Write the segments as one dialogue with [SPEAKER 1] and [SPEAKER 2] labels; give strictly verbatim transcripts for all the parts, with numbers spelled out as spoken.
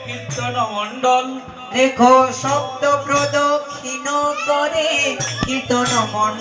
[SPEAKER 1] কীর্তন মণ্ডল
[SPEAKER 2] দেখো শব্দ প্রদক্ষিণ করে কীর্তন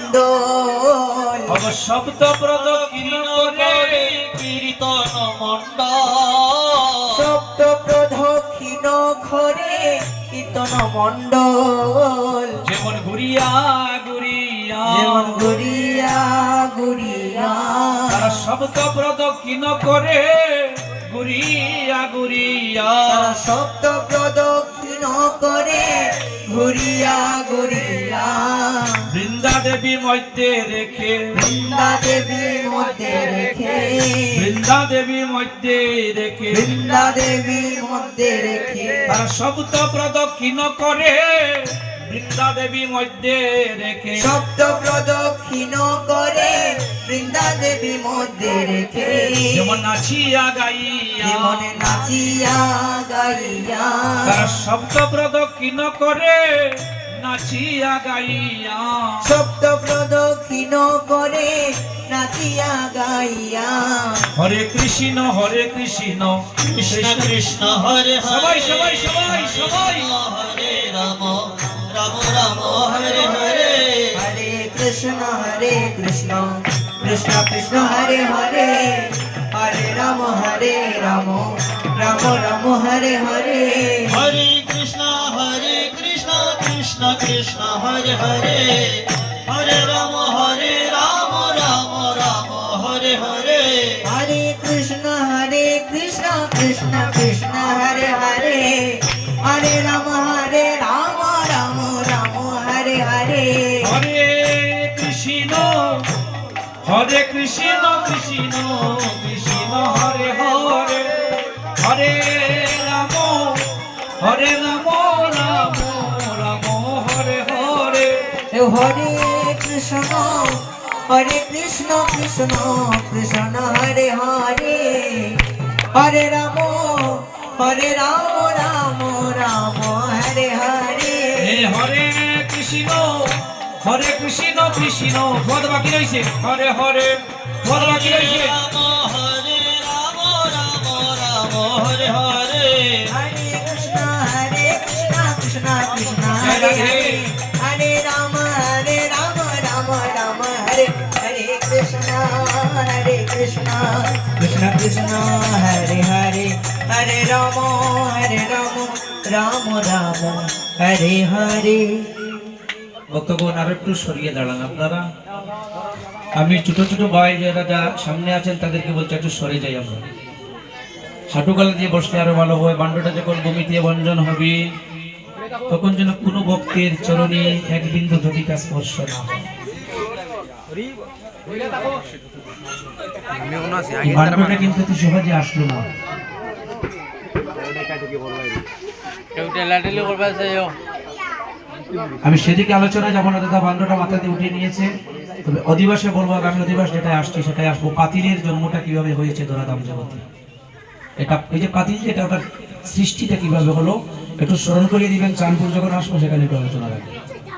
[SPEAKER 2] মণ্ডল
[SPEAKER 1] শব্দ প্রদক্ষিণ করে কীর্তন মণ্ডল
[SPEAKER 2] শব্দ প্রদক্ষিণ করে কীর্তন মণ্ডল
[SPEAKER 1] যেমন ঘুরিয়া ঘুরিয়া
[SPEAKER 2] যেমন ঘুরিয়া ঘুরিয়া
[SPEAKER 1] তারা শব্দ প্রদক্ষিণ করে ঘুরিয়া ঘুরিয়া
[SPEAKER 2] তারা শব্দ প্রদক্ষিণ করে ঘুরিয়া ঘুরিয়া
[SPEAKER 1] বৃন্দা দেবী মধ্যে রেখে
[SPEAKER 2] বৃন্দা দেবীর মধ্যে রেখে
[SPEAKER 1] বৃন্দা দেবী মধ্যে রেখে
[SPEAKER 2] বৃন্দা দেবীর মধ্যে রেখে
[SPEAKER 1] তারা শব্দ প্রদক্ষিণ করে বৃন্দা দেবী মধ্যে রেখে
[SPEAKER 2] শব্দ প্রদক্ষিণ করে বৃন্দা দেবী মধ্যে রেখে
[SPEAKER 1] যেমন নাচিয়া গাইয়া
[SPEAKER 2] যেমন নাচিয়া গাইয়া
[SPEAKER 1] তারা শব্দ প্রদক্ষিণ করে নাচিয়া গাইয়া
[SPEAKER 2] শব্দ প্রদক্ষিণ করে নাচিয়া গাইয়া
[SPEAKER 1] হরে কৃষ্ণ হরে কৃষ্ণ
[SPEAKER 3] কৃষ্ণ কৃষ্ণ হরে
[SPEAKER 1] সবাই
[SPEAKER 3] হরে
[SPEAKER 1] সবাই সবাই সবাই
[SPEAKER 3] হরে রাম রাম রাম হরে হরে
[SPEAKER 2] হরে কৃষ্ণ হরে কৃষ্ণ কৃষ্ণ কৃষ্ণ হরে হরে হরে রাম হরে রাম রাম রাম হরে হরে
[SPEAKER 3] হরে কৃষ্ণ হরে কৃষ্ণ কৃষ্ণ কৃষ্ণ হরে হরে হরে রাম হরে রাম রাম রাম হরে হরে
[SPEAKER 2] হরে কৃষ্ণ হরে কৃষ্ণ কৃষ্ণ কৃষ্ণ হরে হরে হরে রাম হরে রাম রাম রাম হরে হরে
[SPEAKER 1] হরে কৃষ্ণ হরে কৃষ্ণ কৃষ্ণ কৃষ্ণ হরে হরে হরে রাম হরে রাম রাম রাম হরে হরে
[SPEAKER 2] হরে কৃষ্ণ হরে কৃষ্ণ কৃষ্ণ কৃষ্ণ হরে হরে হরে রাম হরে রাম রাম রাম হরে হরে
[SPEAKER 1] হে হরে কৃষ্ণ হরে কৃষ্ণ কৃষ্ণ পদ বাকি রয়েছে হরে হরে পদ বাকি রয়েছে
[SPEAKER 3] রাম হরে রাম রাম রাম হরে হরে
[SPEAKER 2] হরে কৃষ্ণ হরে কৃষ্ণ কৃষ্ণ কৃষ্ণ হরে হরে হরে রাম হরে রাম রাম রাম হরে হরে কৃষ্ণ হরে কৃষ্ণ কৃষ্ণ কৃষ্ণ হরে হরে হরে রাম হরে রাম রাম রাম হরে হরে
[SPEAKER 1] ভক্তগণ আর একটু সরিয়ে দাঁড়ান আপনারা। আমি ছোট ছোট ভাই যারা যা সামনে আছেন তাদেরকে বলছি একটু সরে যাই আমরা, হাঁটুকালা দিয়ে বসলে আরো ভালো হয়। বান্ডটা যখন ভূমি দিয়ে বঞ্জন হবে তখন যেন কোনো ভক্তের চরণে এক বিন্দু ধতিকা স্পর্শ না হয়। বান্ডটা কিন্তু এত সহজে আসলো না। আমি সেদিকে আলোচনা যাবো না, দাদা বান্ডটা মাথা দিয়ে উঠিয়ে নিয়েছে। তবে অধিবাসে বলবো, আগামী অধিবাস যেটাই আসছে সেটাই আসবো। পাতিলের জন্মটা কিভাবে হয়েছে ধরাধাম জগতে, এটা এই যে পাতিল যেটা ওটার সৃষ্টিটা কিভাবে হলো একটু স্মরণ করিয়ে দিবেন। চাঁদপুর যখন আসবো সেখানে একটু আলোচনা রাখবেন।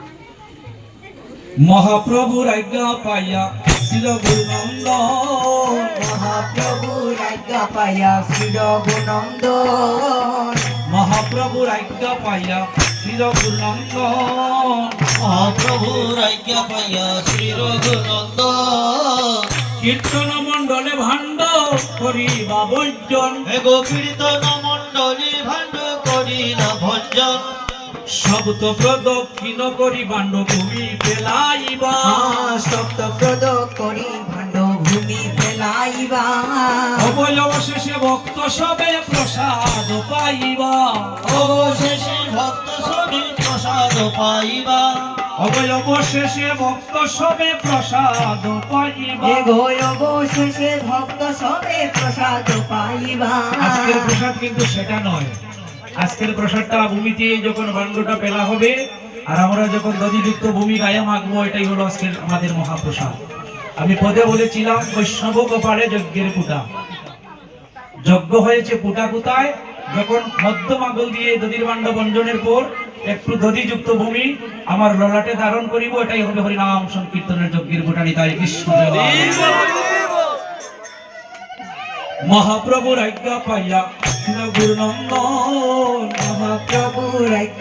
[SPEAKER 1] মহাপ্রভুর আজ্ঞা পাইয়া শ্রী গুরুনন্দ
[SPEAKER 2] মহাপ্রভুর আজ্ঞা পাইয়া শ্রী রঘুনন্দন
[SPEAKER 1] মহাপ্রভুর আজ্ঞা পাইয়া শ্রী গুরুনন্দ
[SPEAKER 3] মহাপ্রভুর আজ্ঞা পাইয়া শ্রী রঘুনন্দন
[SPEAKER 1] কীর্তন মণ্ডলে ভাণ্ড করিবা বৈজন
[SPEAKER 3] হে গো কীর্তন মণ্ডলী ভাণ্ড করিলা ভঞ্জন
[SPEAKER 1] শব্দ প্রদক্ষিণ করি ভাণ্ড ভূমি ফেলাইবা
[SPEAKER 2] শব্দ প্রদ করি ভাণ্ড ভূমি ফেলাইবা
[SPEAKER 1] অবয় অবশেষে ভক্ত সবে প্রসাদ পাইবা
[SPEAKER 3] অবশেষে ভক্ত সবে প্রসাদ পাইবা
[SPEAKER 1] অবয় অবশেষে ভক্ত সবে প্রসাদ পাইবা
[SPEAKER 2] এ গো অবশেষে ভক্ত সবে প্রসাদ পাইবা
[SPEAKER 1] আজকের প্রসাদ কিন্তু সেটা নয়। আজকের প্রসাদটা ভূমিতে যখন ভাণ্ডটা পেলা হবে আর আমরা যখন দধিযুক্ত ভূমি গায়ে মাখবো, এটাই হলো আজকের আমাদের মহাপ্রসাদ। আমি পদে বলেছিলাম বৈষ্ণব কপালে যজ্ঞের পুটা, যজ্ঞ হয়েছে পুটা কোথায়? যখন মধ্যম আঙুল দিয়ে দধির ভাণ্ড বঞ্জনের পর একটু দধিযুক্ত ভূমি আমার ললাটে ধারণ করিব, এটাই হবে হরিনাম সংকীর্তনের যজ্ঞের পুটা। নিতাই কৃষ্ণ। মহাপ্রভুর আজ্ঞা পাইয়া শ্রী গুরুনন্দন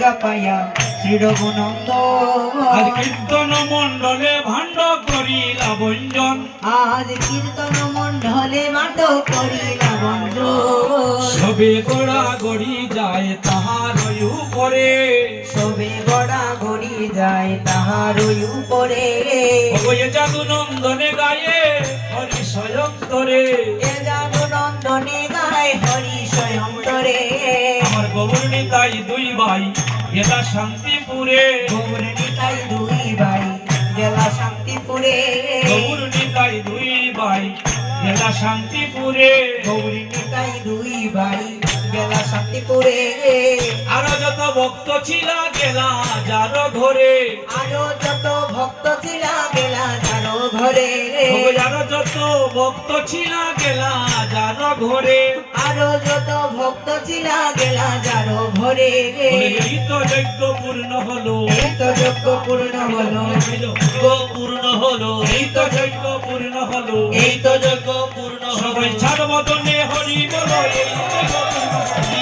[SPEAKER 2] পাইয়া শ্রী রঘুনন্দ
[SPEAKER 1] আজ কীর্তন মণ্ডলে ভাণ্ড করিলা বঞ্জন
[SPEAKER 2] আজ কীর্তন মণ্ডলে মাত করিলা বন্ধ
[SPEAKER 1] সবে গোড়া গড়ি যায় তাহার উপরে
[SPEAKER 2] সবে গড়া গড়ি যায় তাহার উপরে
[SPEAKER 1] ওই জাদু নন্দনে গায়ে হরি স্বয়ন্তরে
[SPEAKER 2] এ জাদু নন্দনে গায় হরি স্বয়ন্তরে
[SPEAKER 1] আমার গৌর নিতাই দুই ভাই গেলা শান্তিপুরে
[SPEAKER 2] গৌর নিতাই দুই ভাই গেলা শান্তিপুরে
[SPEAKER 1] গৌর নিতাই দুই ভাই গেলা শান্তিপুরে
[SPEAKER 2] গৌর নিতাই দুই ভাই গেলা শান্তিপুরে
[SPEAKER 1] আরো যত ভক্ত ছিল গেলা যার ঘরে
[SPEAKER 2] আরো যত ভক্ত ছিল গেলা যারো ঘরে
[SPEAKER 1] আরো যত ভক্ত ছিল গেলা যার ঘরে
[SPEAKER 2] আরো যত ভক্ত ছিল গেলা যারো ঘরে
[SPEAKER 1] এই তো যজ্ঞ পূর্ণ হলো
[SPEAKER 2] এই তো যজ্ঞ পূর্ণ হলো
[SPEAKER 3] যজ্ঞ পূর্ণ হলো
[SPEAKER 1] এই তো যজ্ঞ পূর্ণ হলো
[SPEAKER 3] এই তো যজ্ঞ পূর্ণ হলো
[SPEAKER 1] সবাই ছাড় বদনে হরি বলো এই যজ্ঞ পূর্ণ হলো।